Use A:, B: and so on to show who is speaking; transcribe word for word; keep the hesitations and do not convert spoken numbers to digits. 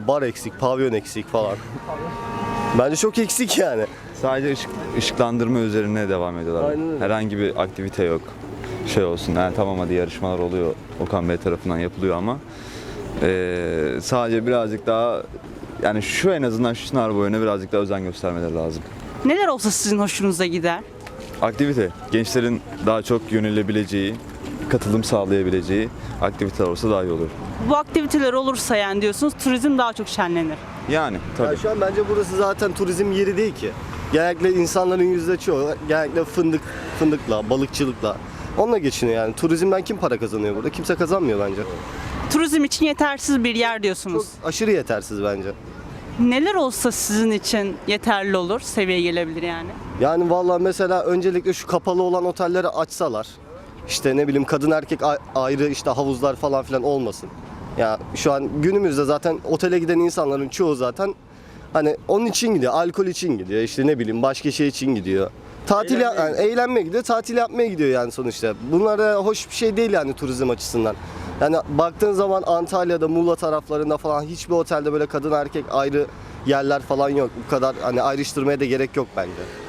A: mesela bar eksik, pavyon eksik falan. Bence çok eksik yani.
B: Sadece ışık, ışıklandırma üzerine devam ediyorlar.
A: Aynen öyle.
B: Herhangi bir aktivite yok. Şey olsun, yani tamam hadi yarışmalar oluyor, Okan Bey tarafından yapılıyor ama eee, sadece birazcık daha, yani şu en azından şu sınav boyuna birazcık daha özen göstermeleri lazım.
C: Neler olsa sizin hoşunuza gider?
B: Aktivite, gençlerin daha çok yönelebileceği, katılım sağlayabileceği aktiviteler olsa daha iyi olur.
C: Bu aktiviteler olursa yani diyorsunuz turizm daha çok şenlenir.
B: Yani tabii.
A: Ya şu an bence burası zaten turizm yeri değil ki. Genellikle insanların yüzde çoğu genellikle fındık, fındıkla, balıkçılıkla. Onunla geçiniyor yani. Turizmden kim para kazanıyor burada? Kimse kazanmıyor bence.
C: Turizm için yetersiz bir yer diyorsunuz.
A: Çok aşırı yetersiz bence.
C: Neler olsa sizin için yeterli olur, seviye gelebilir yani?
A: Yani vallahi mesela öncelikle şu kapalı olan otelleri açsalar. İşte ne bileyim kadın erkek a- ayrı işte havuzlar falan filan olmasın. Ya şu an günümüzde zaten otele giden insanların çoğu zaten hani onun için gidiyor, alkol için gidiyor, işte ne bileyim başka şey için gidiyor. Tatil ya- yani eğlenmeye gidiyor, tatil yapmaya gidiyor yani sonuçta. Bunlar da hoş bir şey değil yani turizm açısından. Yani baktığın zaman Antalya'da, Muğla taraflarında falan hiçbir otelde böyle kadın erkek ayrı yerler falan yok. Bu kadar hani ayrıştırmaya da gerek yok bence.